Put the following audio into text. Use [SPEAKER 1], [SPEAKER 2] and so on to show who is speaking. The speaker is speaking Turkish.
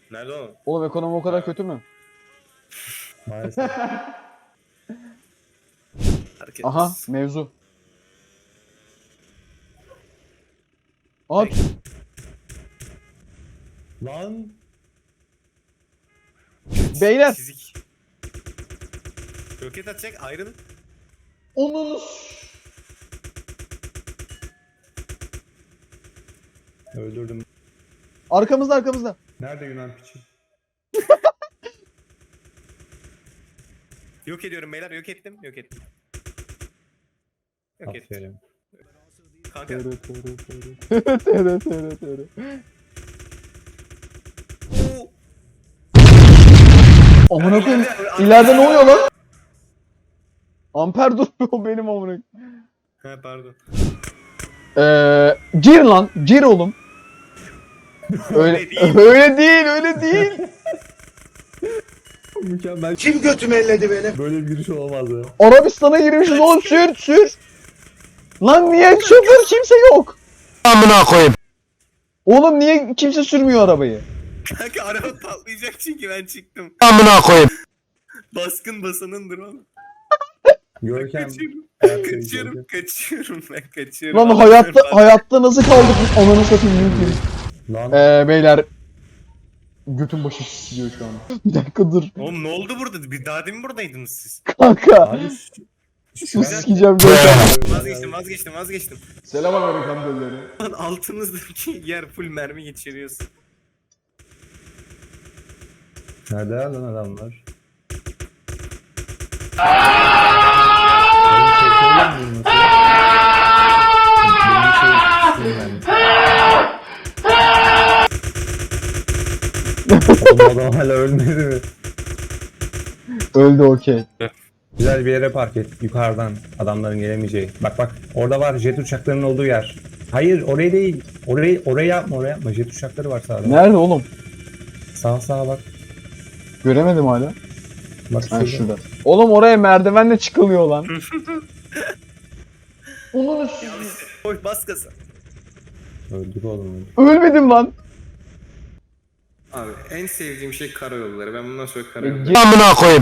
[SPEAKER 1] Nerede o?
[SPEAKER 2] Oğlum ekonomi o kadar kötü mü?
[SPEAKER 3] Maalesef.
[SPEAKER 1] Hareket.
[SPEAKER 2] Aha mevzu. At.
[SPEAKER 3] Lan.
[SPEAKER 2] Beyler.
[SPEAKER 1] Çizik. Roket atacak ayrıl.
[SPEAKER 2] Onun.
[SPEAKER 3] Öldürdüm.
[SPEAKER 2] Arkamızda arkamızda.
[SPEAKER 3] Nerede Yunan piçi?
[SPEAKER 1] Yok ediyorum beyler, yok ettim. Yok ettim. Yok ettim.
[SPEAKER 3] Aferin.
[SPEAKER 1] Kanka.
[SPEAKER 2] Tere.
[SPEAKER 1] Oo.
[SPEAKER 2] Amına koyayım. İleride ne oluyor lan? Amper durmuyor benim amına.
[SPEAKER 1] Ha pardon.
[SPEAKER 2] Gir lan. Gir oğlum. Öyle
[SPEAKER 1] Öyle değil.
[SPEAKER 2] öyle değil.
[SPEAKER 3] Mükemmel.
[SPEAKER 4] Kim götümü elledi benim?
[SPEAKER 3] Böyle bir giriş olamaz ya.
[SPEAKER 2] Arabistan'a girmişiz oğlum sür. Lan niye şoför kimse yok?
[SPEAKER 4] Amına koyayım.
[SPEAKER 2] Oğlum niye kimse sürmüyor arabayı?
[SPEAKER 1] Kanka araba patlayacak çünkü ben çıktım.
[SPEAKER 4] Amına koyayım.
[SPEAKER 1] Baskın basanındır oğlum.
[SPEAKER 3] Görkem.
[SPEAKER 1] Kaçıyorum ben kaçıyorum.
[SPEAKER 2] Lan
[SPEAKER 1] Allah'ım,
[SPEAKER 2] hayatta nasıl kaldık biz? Ananı satayım mümkün.
[SPEAKER 3] Lan.
[SPEAKER 2] Beyler götüm başı siliyor şu an. Bir dakika dur.
[SPEAKER 1] Oğlum ne oldu burada? Bir daha demin buradaydınız siz.
[SPEAKER 2] Kanka.
[SPEAKER 3] Abi
[SPEAKER 2] Su sikeceğim Görkem.
[SPEAKER 1] Vazgeçtim.
[SPEAKER 2] Selam Amerikan bölleri.
[SPEAKER 1] Lan altınızdaki yer full mermi geçiriyorsun.
[SPEAKER 3] Nerede lan adamlar? Oğlum adam hala ölmedi mi?
[SPEAKER 2] Öldü okey.
[SPEAKER 3] Güzel bir yere park et. Yukarıdan adamların gelemeyeceği. Bak orada var jet uçaklarının olduğu yer. Hayır orayı değil. Orayı yapma. Jet uçakları var sağda.
[SPEAKER 2] Nerede oğlum?
[SPEAKER 3] Sağa bak.
[SPEAKER 2] Göremedim hala.
[SPEAKER 3] Bak
[SPEAKER 2] Ha şurada. Oğlum oraya merdivenle çıkılıyor lan. Onun
[SPEAKER 1] Koy bas gaza.
[SPEAKER 3] Öldük oğlum.
[SPEAKER 2] ölmedim lan.
[SPEAKER 1] Abi en sevdiğim şey karayolları. Ben bundan sonra
[SPEAKER 2] E,
[SPEAKER 1] karayolları.
[SPEAKER 2] ge-
[SPEAKER 4] Amına koyayım.